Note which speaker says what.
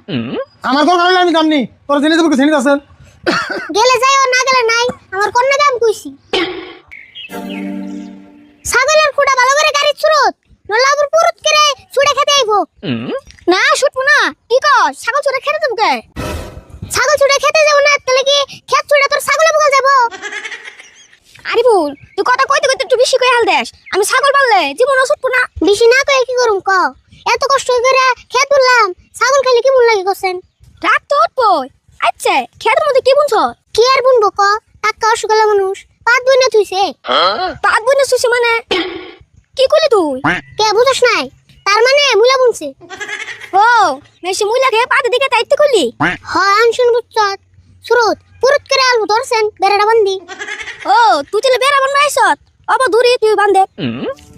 Speaker 1: আমার কোন কারণে আমি জানি তোর জেনে যাবো জেনে আছেন
Speaker 2: গেলে যাই ও না গেলে নাই আমার কোন না কাম কইছি ছাগলের খুঁড়া ভালো করে গাড়ি ছুরত নলাবুর পুরুত করে ছুড়ে খেতে আইবো না ছুটবো না কি কর ছাগল ছুড়ে খেতে যাবো কে ছাগল ছুড়ে খেতে যাবো না তাহলে কি খেত ছুড়ে তোর ছাগলে বগল যাবো আরে ভুল তুই কথা কইতে কইতে একটু বেশি কই হাল দেস আমি ছাগল পাললে জীবনও ছুটবো না বেশি না কই কি করুম ক এত কষ্ট করে খেত বললাম ছাগল খাইলে কি মন লাগে করছেন রাগ তো উঠবো আচ্ছা খেতের মধ্যে কি বুনছ কি আর বুনবো ক টাকা অসুখালা মানুষ পাত বইনা তুইছে পাত বইনা তুইছে মানে কি কইলি তুই কে বুঝছ নাই তার মানে মুলা বুনছে ও মেশি মুলা খেয়ে পাতে দিকে তাইতে কইলি হয় আনশুন বুঝছত সুরত পুরুত করে আলু ধরছেন বেড়াটা বান্ধি ও তুই চলে বেড়া বান্ধাইছত অব দূরে তুই বান্ধে